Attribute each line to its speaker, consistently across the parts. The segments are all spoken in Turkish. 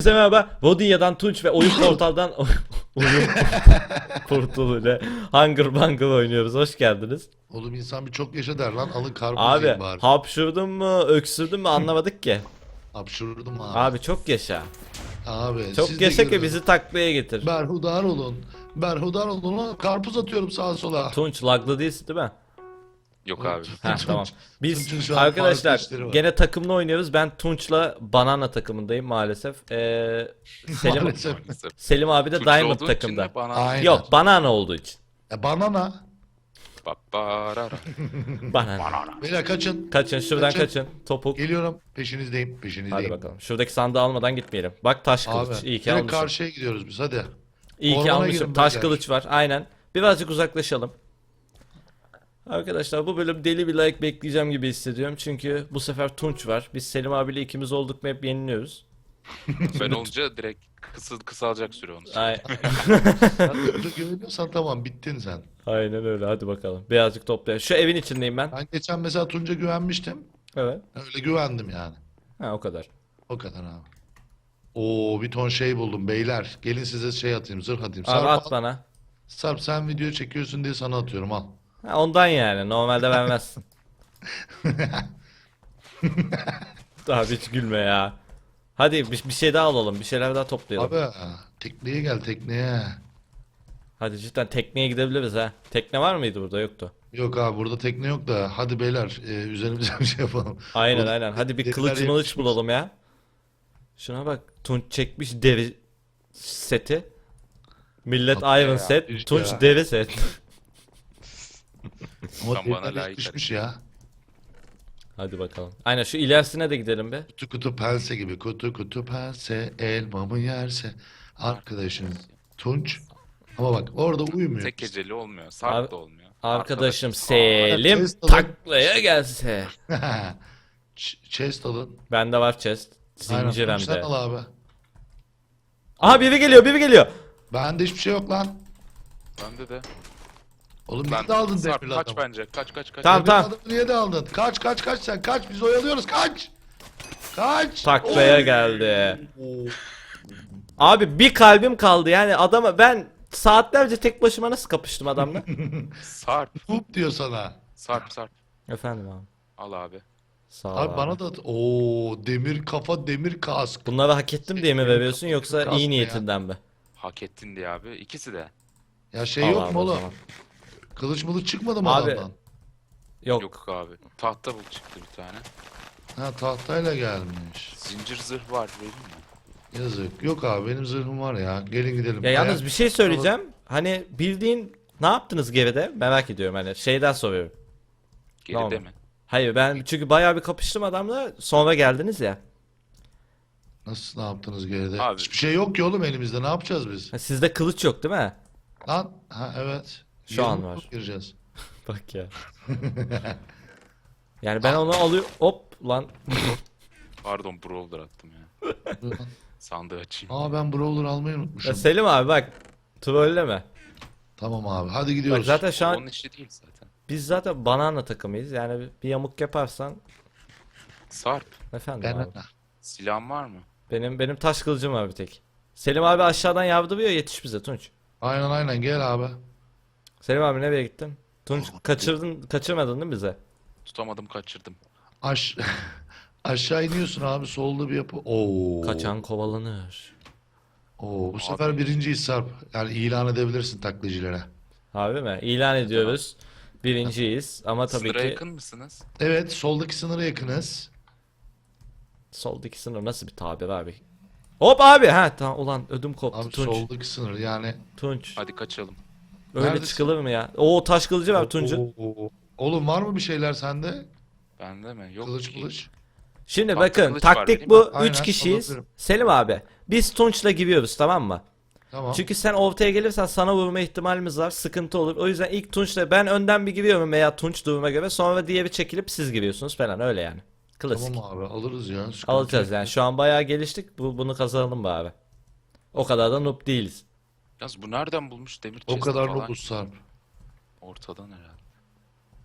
Speaker 1: Herkese merhaba. Vodinya'dan Tunç ve Oyun Portal'dan Oyun Portalı Hunger Bungle oynuyoruz. Hoş geldiniz.
Speaker 2: Oğlum insan bir çok yaşa der lan. Alın karpuz
Speaker 1: Abi
Speaker 2: yiyin bari.
Speaker 1: hapşurdun mu, öksürdün mü anlamadık ki.
Speaker 2: Hapşurdum abi.
Speaker 1: Abi çok yaşa.
Speaker 2: Abi
Speaker 1: Çok
Speaker 2: siz de
Speaker 1: yaşa ki
Speaker 2: görün.
Speaker 1: bizi taklaya getir.
Speaker 2: Berhudar olun. Berhudar olun lan. Karpuz atıyorum sağa sola.
Speaker 1: Tunç laglı değilsin değil mi?
Speaker 3: Yok abi.
Speaker 1: Heh, tamam. Biz
Speaker 2: Tunç'un şu an farklı
Speaker 1: arkadaşlar
Speaker 2: işleri var.
Speaker 1: gene takımla oynuyoruz. Ben Tunç'la Banana takımındayım maalesef. Selim
Speaker 2: Maalesef.
Speaker 3: Maalesef.
Speaker 1: Selim abi de
Speaker 3: Suçlu
Speaker 1: Diamond
Speaker 3: olduğun için
Speaker 1: takımda.
Speaker 3: de bana
Speaker 2: Aynen.
Speaker 1: Yok, Banana olduğu için.
Speaker 2: Banana.
Speaker 3: Babarara.
Speaker 1: Banana.
Speaker 2: Beyler kaçın.
Speaker 1: Kaçın şuradan kaçın. Topuk.
Speaker 2: Geliyorum. Peşinizdeyim.
Speaker 1: Hadi
Speaker 2: Peşinizdeyim.
Speaker 1: bakalım. Şuradaki sandığı almadan gitmeyelim. Bak taş
Speaker 2: Abi.
Speaker 1: kılıç. İyi ki
Speaker 2: Direkt
Speaker 1: almışım.
Speaker 2: karşıya gidiyoruz biz hadi.
Speaker 1: İyi ki
Speaker 2: Ormana
Speaker 1: almışım.
Speaker 2: girin
Speaker 1: Taş
Speaker 2: beyler.
Speaker 1: kılıç var. Aynen. Birazcık uzaklaşalım. Arkadaşlar bu bölüm deli bir like bekleyeceğim gibi hissediyorum. Çünkü bu sefer Tunç var. Biz Selim abiyle ikimiz olduk mu hep yeniliyoruz.
Speaker 3: Ben olunca direkt kısalacak süre onun için.
Speaker 1: Ay
Speaker 2: Sen de güveniyorsan tamam bittin sen.
Speaker 1: Aynen öyle. Hadi bakalım. Birazcık toplayalım. Şu evin içindeyim ben.
Speaker 2: Ben geçen mesela Tunç'a güvenmiştim.
Speaker 1: Evet.
Speaker 2: Öyle güvendim yani.
Speaker 1: Ha o kadar.
Speaker 2: O kadar abi. Oo bir ton şey buldum beyler. Gelin size şey atayım, zırh atayım.
Speaker 1: Abi
Speaker 2: Sarp,
Speaker 1: at bana.
Speaker 2: Sarp sen video çekiyorsun diye sana atıyorum al.
Speaker 1: Ha, ondan yani. Normalde vermezsin. Abi hiç gülme ya. Hadi bir şey daha alalım. Bir şeyler daha toplayalım.
Speaker 2: Abi tekneye gel tekneye.
Speaker 1: Hadi cidden tekneye gidebiliriz ha. Tekne var mıydı burada? Yoktu.
Speaker 2: Yok abi burada tekne yok da hadi beyler üzerimize bir şey yapalım.
Speaker 1: Aynen
Speaker 2: Burada
Speaker 1: aynen. Hadi bir
Speaker 2: deriler
Speaker 1: kılıç mılıç
Speaker 2: yapışmış.
Speaker 1: bulalım ya. Şuna bak. Tunç çekmiş deri seti. Millet
Speaker 2: Tatlı
Speaker 1: Iron
Speaker 3: ya,
Speaker 1: set.
Speaker 2: işte
Speaker 1: Tunç
Speaker 2: ya.
Speaker 1: deri set.
Speaker 2: Ama
Speaker 3: Tam bana
Speaker 2: deriler
Speaker 3: layık
Speaker 2: yapışmış ya.
Speaker 1: Hadi bakalım. Aynen şu ilerisine de gidelim be.
Speaker 2: Kutu kutu pense gibi kutu kutu pense elmamı yerse arkadaşım Tunç. Ama bak orada uyumuyor.
Speaker 3: Tek geceli olmuyor.
Speaker 1: Abi-
Speaker 3: Sarp da olmuyor.
Speaker 1: Arkadaşım
Speaker 3: Arkadaş-
Speaker 1: Selim
Speaker 2: chest alın.
Speaker 1: taklaya gelse.
Speaker 2: Chest alın.
Speaker 1: Bende var chest.
Speaker 2: Aynen
Speaker 1: Zincir hem
Speaker 2: Tunç sen
Speaker 1: de.
Speaker 2: al abi.
Speaker 1: Aha biri geliyor biri geliyor.
Speaker 2: Bende hiçbir şey yok lan.
Speaker 3: Bende de.
Speaker 2: Oğlum
Speaker 3: Ben
Speaker 2: niye de aldın
Speaker 3: Sarp
Speaker 2: demirli
Speaker 3: kaç
Speaker 2: adamı?
Speaker 3: bence. Kaç.
Speaker 1: Tamam,
Speaker 2: Demirli
Speaker 1: tamam.
Speaker 2: adamı niye de aldın? Kaç kaç kaç sen kaç biz oyalıyoruz kaç. Kaç.
Speaker 1: Taklaya
Speaker 2: Oy.
Speaker 1: geldi.
Speaker 2: Oo.
Speaker 1: Abi bir kalbim kaldı yani adama ben saatlerce tek başıma nasıl kapıştım adamla?
Speaker 3: Sarp.
Speaker 2: Hup diyor sana.
Speaker 3: Sarp.
Speaker 1: Efendim abi.
Speaker 3: Al abi.
Speaker 1: Sağ ol
Speaker 2: Abi
Speaker 1: abi.
Speaker 2: bana da at. Oo demir kafa demir kask.
Speaker 1: Bunları hak ettim diye mi veriyorsun yoksa
Speaker 2: Kasma
Speaker 1: iyi
Speaker 2: ya.
Speaker 1: niyetinden mi?
Speaker 3: Hak ettin diye abi. İkisi de.
Speaker 2: Ya şey
Speaker 1: Al
Speaker 2: yok
Speaker 1: abi
Speaker 2: mu
Speaker 1: o
Speaker 2: oğlum?
Speaker 1: zaman.
Speaker 2: Kılıç mılıç çıkmadı mı
Speaker 1: Abi,
Speaker 2: adamdan?
Speaker 1: Yok.
Speaker 3: Yok abi. Tahta bul çıktı bir tane.
Speaker 2: Ha tahtayla gelmiş.
Speaker 3: Zincir zırh var vereyim mi?
Speaker 2: Yazık. Yok abi benim zırhım var ya. Gelin gidelim.
Speaker 1: Ya yalnız
Speaker 2: Ayak-
Speaker 1: bir şey söyleyeceğim. Hani bildiğin ne yaptınız geride? Merak ediyorum hani şeyden soruyorum.
Speaker 3: Geride
Speaker 1: Tamam.
Speaker 3: mi?
Speaker 1: Hayır ben çünkü bayağı bir kapıştım adamla sonra geldiniz ya.
Speaker 2: Nasıl ne yaptınız geride?
Speaker 3: Abi.
Speaker 2: Hiçbir şey yok ki oğlum elimizde. Ne yapacağız biz?
Speaker 1: Ha, sizde kılıç yok değil mi?
Speaker 2: Lan ha evet.
Speaker 1: Şu an
Speaker 2: Yılmık
Speaker 1: var.
Speaker 2: mı gireceğiz?
Speaker 1: Bak ya. Yani ben onu alıyorum. Hop lan.
Speaker 3: Pardon brawler attım ya. Sandığı açayım.
Speaker 2: Aa ben brawler almayı
Speaker 1: Ya
Speaker 2: unutmuşum.
Speaker 1: Selim abi bak. Trolleme.
Speaker 2: Tamam abi hadi
Speaker 1: Bak
Speaker 2: gidiyoruz.
Speaker 1: zaten şu an
Speaker 3: Onun işi değil zaten.
Speaker 1: biz zaten banana takımıyız. Yani bir yamuk yaparsan
Speaker 3: Sarp.
Speaker 1: efendim
Speaker 2: Ben
Speaker 1: abi.
Speaker 3: Silahın var mı?
Speaker 1: Benim taş kılıcım var bir tek. Selim abi aşağıdan yardırıyor yetiş bize Tunç.
Speaker 2: aynen gel abi.
Speaker 1: Selim abi nereye gittin? Tunç kaçırmadın değil mi bize?
Speaker 3: Tutamadım kaçırdım.
Speaker 2: Aş aşağı iniyorsun abi solda bir yapı. Oo.
Speaker 1: Kaçan kovalanır.
Speaker 2: Oo bu sefer birinciyiz Sarp. Yani ilan edebilirsin taklacılara.
Speaker 1: Abi mi? İlan ediyoruz. Birinciyiz ama tabii
Speaker 3: Sınıra
Speaker 1: ki
Speaker 3: yakın mısınız?
Speaker 2: Evet soldaki sınıra yakınız.
Speaker 1: soldaki sınır nasıl bir tabir abi? Hop abi ha tamam ulan ödüm koptu
Speaker 2: Abi
Speaker 1: Tunç.
Speaker 2: soldaki sınır yani.
Speaker 1: Tunç.
Speaker 3: Hadi kaçalım.
Speaker 1: Öyle
Speaker 2: Neredesin?
Speaker 1: çıkılır mı ya? Oo taş kılıcı var Tunç'un.
Speaker 2: Oo. Oğlum var mı bir şeyler sende?
Speaker 3: Bende mi? Yok
Speaker 2: Kılıç
Speaker 3: ki.
Speaker 2: kılıç.
Speaker 1: Şimdi
Speaker 3: Tahta
Speaker 1: bakın
Speaker 3: kılıç var
Speaker 1: taktik
Speaker 3: değil
Speaker 1: bu.
Speaker 3: mi?
Speaker 1: 3
Speaker 2: Aynen,
Speaker 1: kişiyiz.
Speaker 2: alabilirim.
Speaker 1: Selim abi biz Tunç'la giriyoruz tamam mı?
Speaker 2: Tamam.
Speaker 1: Çünkü sen ortaya gelirsen sana vurma ihtimalimiz var. Sıkıntı olur. O yüzden ilk Tunç'la ben önden bir giriyorum veya Tunç duruma göre. Sonra diğeri çekilip siz giriyorsunuz falan öyle yani. Klasik.
Speaker 2: Tamam abi alırız ya. Sıkıntı
Speaker 1: Alacağız
Speaker 2: yok.
Speaker 1: yani. Şu an bayağı geliştik. Bunu kazanalım bari. O kadar da noob değiliz.
Speaker 3: Yalnız bu nereden bulmuş demir
Speaker 2: O
Speaker 3: chest
Speaker 2: kadar
Speaker 3: falan?
Speaker 2: nobuz Sarp.
Speaker 3: Ortadan herhalde.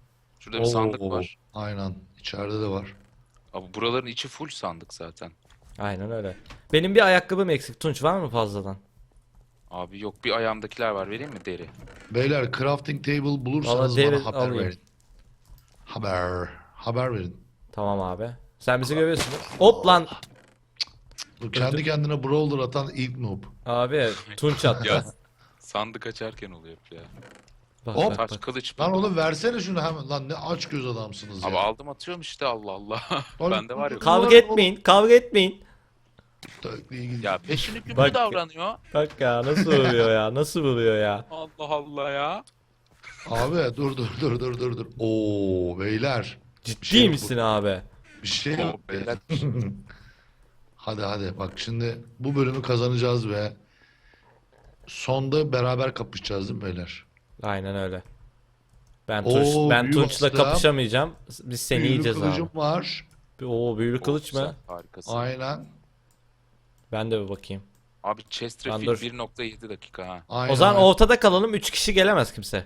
Speaker 3: Şurada bir sandık
Speaker 2: Oo.
Speaker 3: var.
Speaker 2: Aynen. İçeride de var.
Speaker 3: Abi buraların içi full sandık zaten.
Speaker 1: Aynen öyle. Benim bir ayakkabım eksik. Tunç var mı fazladan?
Speaker 3: Abi yok, bir ayağımdakiler var, vereyim mi deri?
Speaker 2: Beyler crafting table bulursanız
Speaker 1: Valla deri
Speaker 2: bana haber
Speaker 1: alayım.
Speaker 2: verin. Haber verin.
Speaker 1: Tamam abi. Sen bizi görüyorsun. Hop lan.
Speaker 2: Bu kendi kendine brawler atan ilk noob.
Speaker 1: Abi Tunç attı.
Speaker 3: Ya sandık açarken oluyor ya.
Speaker 1: Bak,
Speaker 2: Hop.
Speaker 1: bak,
Speaker 3: Taş
Speaker 1: bak.
Speaker 3: kılıç
Speaker 2: Lan
Speaker 3: buldum.
Speaker 2: oğlum versene şunu hemen. Lan ne aç göz adamsınız
Speaker 3: Abi
Speaker 2: ya.
Speaker 3: aldım atıyorum işte, Allah Allah.
Speaker 2: Lan-
Speaker 3: Bende var yok.
Speaker 1: Kavga etmeyin. Kavga etmeyin.
Speaker 2: Tökleyi gidiyor.
Speaker 3: Ya peşini gümbür
Speaker 1: Bak-
Speaker 3: davranıyor.
Speaker 1: Bak ya nasıl vuruyor ya. Nasıl vuruyor ya.
Speaker 3: Allah Allah ya.
Speaker 2: Abi dur. Oo beyler.
Speaker 1: Ciddi
Speaker 2: şey yok
Speaker 1: misin abi?
Speaker 2: Bir şey
Speaker 3: Oo,
Speaker 2: yok.
Speaker 3: beyler.
Speaker 2: Hadi bak şimdi bu bölümü kazanacağız ve sonda beraber kapışacağız değil mi beyler?
Speaker 1: Aynen öyle. Ben
Speaker 2: Oo,
Speaker 1: ben
Speaker 2: büyü
Speaker 1: Tunç'la
Speaker 2: bastı.
Speaker 1: kapışamayacağım. Biz seni
Speaker 2: Büyülü
Speaker 1: yiyeceğiz
Speaker 2: kılıcım
Speaker 1: abi.
Speaker 2: var.
Speaker 1: Oo büyülü kılıç
Speaker 3: Güzel,
Speaker 1: mı?
Speaker 3: harikasın.
Speaker 2: Aynen.
Speaker 1: Ben de bir bakayım.
Speaker 3: Abi Chesterfield
Speaker 1: dur.
Speaker 3: 1.7 dakika ha.
Speaker 2: Aynen.
Speaker 1: O zaman ortada kalalım. 3 kişi gelemez kimse.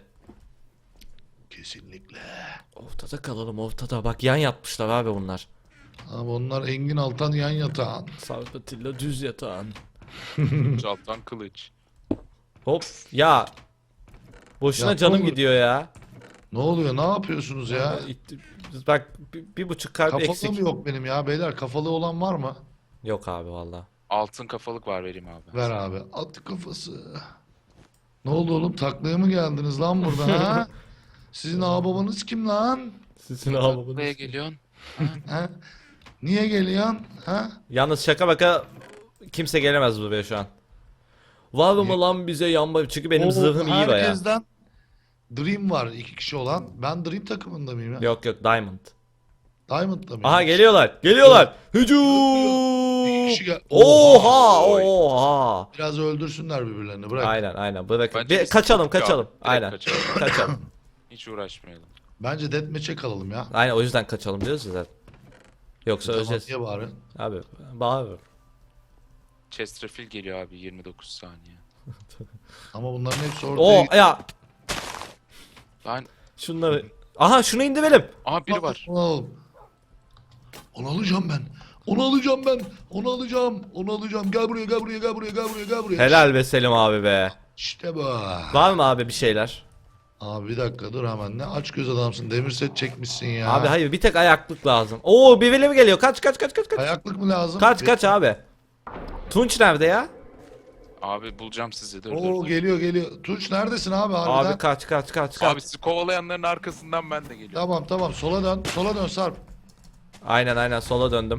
Speaker 2: Kesinlikle.
Speaker 1: Ortada kalalım ortada. Bak yan yatmışlar abi bunlar.
Speaker 2: Abi onlar Engin Altan yan yatağın.
Speaker 1: Sarpatilla düz yatağın.
Speaker 3: Alttan kılıç.
Speaker 1: Hop ya. Boşuna
Speaker 2: Ya,
Speaker 1: canım
Speaker 2: oğlum.
Speaker 1: gidiyor ya.
Speaker 2: Ne oluyor? Ne yapıyorsunuz ya?
Speaker 1: Bak bir buçuk kalp
Speaker 2: Kafalı
Speaker 1: eksik.
Speaker 2: mı yok benim ya beyler? Kafalı olan var mı?
Speaker 1: Yok abi valla.
Speaker 3: Altın kafalık var, vereyim abi.
Speaker 2: Ver abi. At kafası. Ne oldu oğlum? Taklaya mı geldiniz lan burada ha? Sizin ağababanız kim lan?
Speaker 1: Sizin
Speaker 3: Buraya
Speaker 1: ağlamanız.
Speaker 3: geliyorsun.
Speaker 2: Ha? Niye geliyorsun? Ha?
Speaker 1: Yalnız şaka baka kimse gelemez buraya şu an. Var mı lan bize yanma? Çünkü benim
Speaker 2: Oo,
Speaker 1: zırhım iyi baya.
Speaker 2: herkesten Dream var 2 kişi olan. Ben Dream takımında mıyım ya?
Speaker 1: Yok Diamond.
Speaker 2: Diamond'da mıyım?
Speaker 1: Aha geliyorlar. Geliyorlar.
Speaker 2: İki
Speaker 1: Hücum.
Speaker 2: kişi gel.
Speaker 1: Oha
Speaker 3: Oy.
Speaker 1: oha.
Speaker 2: Biraz öldürsünler birbirlerini. Bırak.
Speaker 1: Aynen bırakın.
Speaker 3: Bence biz
Speaker 1: Kaçalım
Speaker 3: direkt
Speaker 1: kaçalım. Aynen.
Speaker 3: kaçalım.
Speaker 1: Kaçalım.
Speaker 3: Hiç uğraşmayalım.
Speaker 2: Bence deathmatch'e kalalım ya.
Speaker 1: Aynen o yüzden kaçalım diyoruz ya zaten. Yoksa
Speaker 2: Tamam,
Speaker 1: öleceğiz.
Speaker 2: niye bari?
Speaker 1: Abi bağır.
Speaker 3: Chesterfield geliyor abi, 29 saniye.
Speaker 2: Ama bunların hepsi orada.
Speaker 1: O ya
Speaker 3: Ben...
Speaker 1: şunları. Aha şunu indirelim.
Speaker 3: Aha biri var.
Speaker 2: Onu alacağım ben. Onu alacağım ben. Onu alacağım. Onu alacağım. Gel buraya. Gel buraya.
Speaker 1: Helal be Selim abi be.
Speaker 2: İşte bu.
Speaker 1: Var mı abi bir şeyler?
Speaker 2: Abi bir dakika dur hemen. Ne aç göz adamsın. Demir set çekmişsin ya.
Speaker 1: Abi hayır bir tek ayaklık lazım. Oo birileri mi geliyor? Kaç.
Speaker 2: Ayaklık mı lazım?
Speaker 1: Kaç abi. Tunç nerede ya?
Speaker 3: Abi bulacağım sizi, dur
Speaker 2: Oo
Speaker 3: dur.
Speaker 2: geliyor. Tunç neredesin abi harbiden?
Speaker 1: Abi kaç.
Speaker 3: Abi sizi kovalayanların arkasından ben de geliyorum.
Speaker 2: Tamam sola dön. Sola dön Sarp.
Speaker 1: Aynen sola döndüm.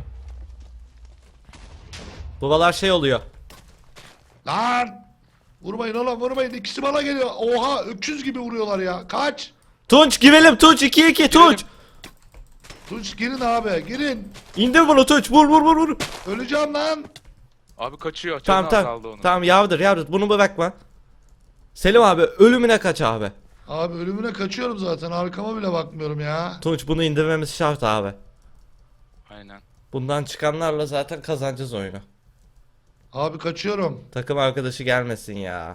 Speaker 1: Buralar şey oluyor.
Speaker 2: Lan! Vurmayın oğlum vurmayın. İkisi bana geliyor. Oha öküz gibi vuruyorlar ya. Kaç!
Speaker 1: Tunç girelim Tunç 2-2 Tunç.
Speaker 2: Tunç girin abi girin.
Speaker 1: İndir bunu Tunç vur.
Speaker 2: Öleceğim lan.
Speaker 3: Abi kaçıyor. Canı
Speaker 1: Tamam
Speaker 3: azaldı onun.
Speaker 1: Tamam yardır bunu bırakma. Selim abi ölümüne kaç abi.
Speaker 2: Abi ölümüne kaçıyorum zaten. Arkama bile bakmıyorum ya.
Speaker 1: Tunç bunu indirmemiz şart abi.
Speaker 3: Aynen.
Speaker 1: Bundan çıkanlarla zaten kazanacağız oyunu.
Speaker 2: Abi kaçıyorum.
Speaker 1: Takım arkadaşı gelmesin ya.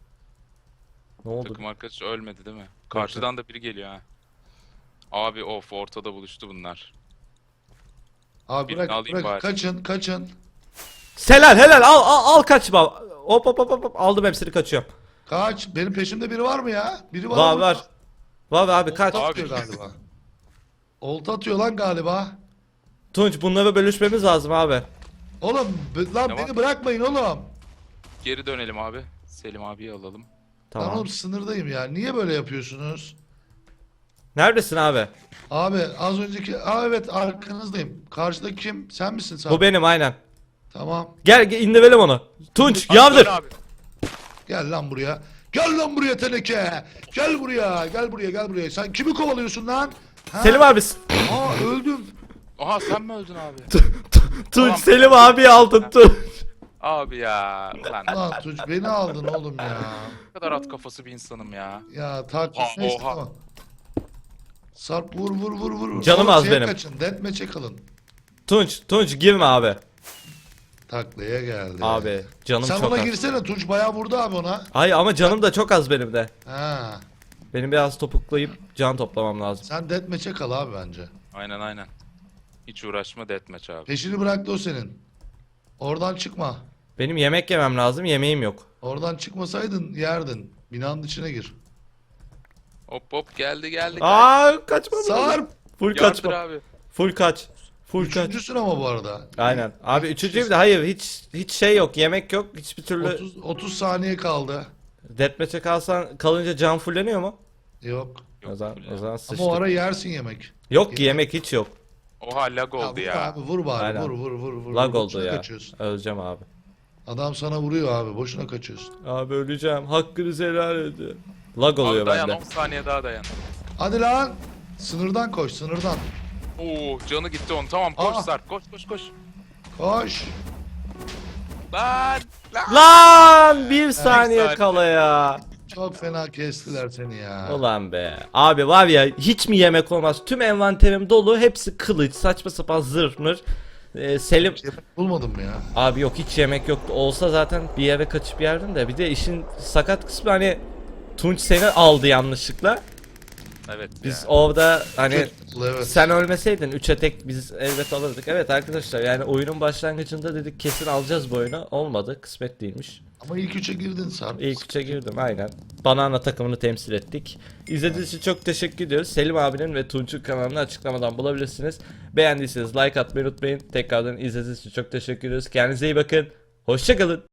Speaker 1: Ne oldu?
Speaker 3: Takım arkadaşı ölmedi değil mi? Karşıdan da biri geliyor ha. Abi of, ortada buluştu bunlar.
Speaker 2: Abi
Speaker 3: Birini alayım
Speaker 2: bırak.
Speaker 3: bari.
Speaker 2: Kaçın.
Speaker 1: Helal al kaçma. Hop aldım hepsini kaçıyorum.
Speaker 2: Kaç. Benim peşimde biri var mı ya? Biri var
Speaker 1: Var
Speaker 2: mı?
Speaker 1: var. Var abi kaç.
Speaker 2: Olta
Speaker 3: Abi.
Speaker 2: atıyor galiba. Olta atıyor lan galiba.
Speaker 1: Tunç bunları bölüşmemiz lazım abi.
Speaker 2: Oğlum lan
Speaker 3: Ne
Speaker 2: beni
Speaker 3: var?
Speaker 2: bırakmayın oğlum.
Speaker 3: Geri dönelim abi. Selim abiyi alalım.
Speaker 2: Lan
Speaker 1: Tamam.
Speaker 2: oğlum sınırdayım ya. Niye böyle yapıyorsunuz?
Speaker 1: Neredesin abi?
Speaker 2: Abi az önceki... evet arkanızdayım. Karşıdaki kim? Sen misin Sarp?
Speaker 1: Bu benim aynen.
Speaker 2: Tamam.
Speaker 1: Gel indirelim onu. Tunç
Speaker 3: Abi,
Speaker 1: yardır.
Speaker 3: dön abi.
Speaker 2: Gel lan buraya. Gel lan buraya teneke. Gel buraya. Sen kimi kovalıyorsun lan? Ha?
Speaker 1: Selim abi.
Speaker 2: Aa öldüm.
Speaker 3: Aha sen mi öldün abi?
Speaker 1: Tunç
Speaker 3: Tamam.
Speaker 1: Selim abi aldın Tunç.
Speaker 3: Abi ya. Ulan ne
Speaker 2: Lan Tunç beni aldın oğlum ya.
Speaker 3: kadar at kafası bir insanım ya.
Speaker 2: Ya takip
Speaker 3: Oha,
Speaker 2: neyse
Speaker 3: oha.
Speaker 2: tamam. Sarp vur.
Speaker 1: Canım
Speaker 2: Oğlum,
Speaker 1: az
Speaker 2: şeye
Speaker 1: benim.
Speaker 2: Kaçın. Deathmatch'e kalın.
Speaker 1: Tunç girme abi.
Speaker 2: Taklaya geldi.
Speaker 1: Abi canım
Speaker 2: Sen
Speaker 1: çok
Speaker 2: ona
Speaker 1: az.
Speaker 2: girsene. Tunç bayağı vurdu abi ona.
Speaker 1: Hayır ama canım da çok az benim de.
Speaker 2: Ha.
Speaker 1: Benim biraz topuklayıp can toplamam lazım.
Speaker 2: Sen deathmatch'e kal abi bence.
Speaker 3: Aynen. Hiç uğraşma, deathmatch abi.
Speaker 2: Peşini bıraktı o senin. Oradan çıkma.
Speaker 1: Benim yemek yemem lazım. Yemeğim yok.
Speaker 2: Oradan çıkmasaydın yerdin. Binanın içine gir.
Speaker 3: Hop hop geldi.
Speaker 1: Kaçmam lazım.
Speaker 2: Sarp.
Speaker 1: Full
Speaker 3: Yardır
Speaker 1: kaçma.
Speaker 3: abi.
Speaker 1: Full kaç. Full kaç.
Speaker 2: Üçüncüsün ama bu arada.
Speaker 1: Aynen. Abi üçüncüyüm de hayır hiç şey yok. Yemek yok. Hiçbir türlü
Speaker 2: 30 saniye kaldı.
Speaker 1: deathmatch'e kalınca can fulleniyor mu?
Speaker 2: Yok.
Speaker 1: O zaman
Speaker 2: Ama
Speaker 1: sıçtık.
Speaker 2: o ara yersin yemek.
Speaker 1: Yok ki yemek hiç yok.
Speaker 3: Oha lag oldu
Speaker 2: vur
Speaker 3: ya.
Speaker 2: Abi vur bari.
Speaker 1: Aynen.
Speaker 2: Vur.
Speaker 1: Lag oldu
Speaker 2: Boşuna
Speaker 1: ya.
Speaker 2: kaçıyorsun.
Speaker 1: Öleceğim abi.
Speaker 2: Adam sana vuruyor abi. Boşuna kaçıyorsun.
Speaker 1: Abi öleceğim. Hakkınızı helal edin. Lag oluyor
Speaker 3: Abi dayan
Speaker 1: bende.
Speaker 3: 10 saniye daha dayan.
Speaker 2: Hadi lan. Sınırdan koş. Sınırdan.
Speaker 3: Oo canı gitti onun. Tamam koş
Speaker 2: Aa.
Speaker 3: Sarp koş.
Speaker 2: Koş.
Speaker 3: Lan.
Speaker 1: Lan bir saniye
Speaker 3: saniye.
Speaker 1: kala ya.
Speaker 2: Çok fena kestiler seni ya.
Speaker 1: Ulan be. Abi var ya hiç mi yemek olmaz? Tüm envanterim dolu. Hepsi kılıç. Saçma sapan zırh mır. Selim.
Speaker 2: Yemek bulmadım ya.
Speaker 1: Abi yok hiç yemek yoktu. Olsa zaten bir yere kaçıp yerdim de. Bir de işin sakat kısmı hani Tunç seni aldı yanlışlıkla.
Speaker 3: Evet
Speaker 1: Biz
Speaker 3: ya.
Speaker 1: orada hani
Speaker 2: Evet.
Speaker 1: sen ölmeseydin 3'e tek biz elbet alırdık. Evet arkadaşlar yani oyunun başlangıcında dedik kesin alacağız bu oyunu. Olmadı. Kısmet değilmiş.
Speaker 2: Ama ilk üçe girdin Sarp.
Speaker 1: İlk 3'e girdim aynen. Banana takımını temsil ettik. İzlediğiniz için çok teşekkür ediyoruz. Selim abinin ve Tunç'un kanalını açıklamadan bulabilirsiniz. Beğendiyseniz like atmayı unutmayın. Tekrardan izlediğiniz için çok teşekkür ediyoruz. Kendinize iyi bakın. Hoşçakalın.